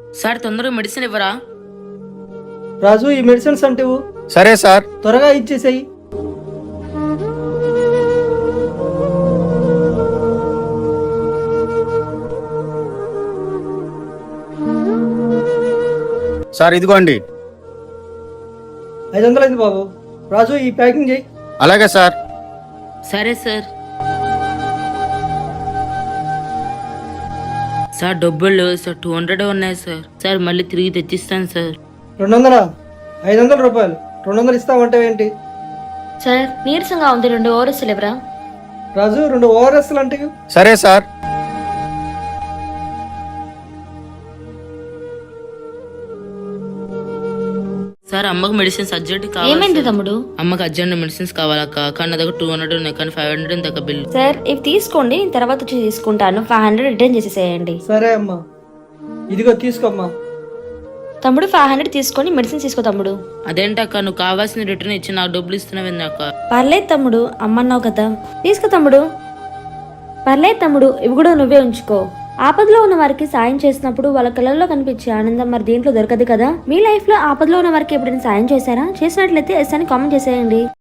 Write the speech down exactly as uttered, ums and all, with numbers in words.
Sir తొందరగా medicine ఇవ్వరా? రాజు, ఈ మెడిసిన్స్ అంటే సరే సార్. త్వరగా ఇచ్చేసేయి. సార్ ఇదిగోండి. ఐదు వందలు అయింది బాబు. రాజు, ఈ ప్యాకింగ్ చేయి. అలాగే సార్. సరే సార్. సార్ డబ్బులు లేవు సార్, టూ హండ్రెడ్ ఉన్నాయి సార్. సార్ మళ్ళీ తిరిగి తెచ్చిస్తాను సార్. రెండు వందలా? ఐదు వందల రూపాయలు. రెండు వందలు ఇస్తామంటే ఏంటి? సార్ నీరసంగా ఉంది, రెండు ఓఆర్ఎస్లు ఇవ్వరా? రాజు, రెండు ఓఆర్ఎస్లు అంటే సరే సార్. సార్ అమ్మకు మెడిసిన్స్ అర్జెంట్ కావాలి. ఏమైంది సార్. తమ్ముడు? అమ్మకి అర్జెంట్ మెడిసిన్స్ కావాలక్క. కానీ నా దగ్గర టూ హండ్రెడ్ ఉన్నాయి, కానీ ఫైవ్ హండ్రెడ్ దగ్గర బిల్. సార్ ఇవి తీసుకోండి, నేను తర్వాత వచ్చి తీసుకుంటాను. ఫైవ్ హండ్రెడ్ రిటర్న్ చేసేసేయండి. సరే అమ్మా, ఇదిగో తీసుకోమ్మా. తమ్ముడు ఫైవ్ హండ్రెడ్ తీసుకొని మెడిసిన్ తీసుకో తమ్ముడు. అదేంటక్క, నువ్వు కావాల్సిన రిటర్న్ ఇచ్చి నాకు డబ్బులు ఇస్తున్నావు అక్క. పర్లేదు తమ్ముడు, అమ్మన్నావు కదా, తీసుకో తమ్ముడు. పర్లేదు తమ్ముడు, ఇవి కూడా నువ్వే ఉంచుకో. ఆపదలో ఉన్న వారికి సాయం చేసినప్పుడు వాళ్ళ కళ్ళల్లో కనిపించే ఆనందం మరి దీంట్లో దొరకదు కదా. మీ లైఫ్ లో ఆపదలో ఉన్న వారికి ఎప్పుడైనా సాయం చేశారా? చేసినట్లయితే ఎస్ అని కామెంట్ చేసేయండి.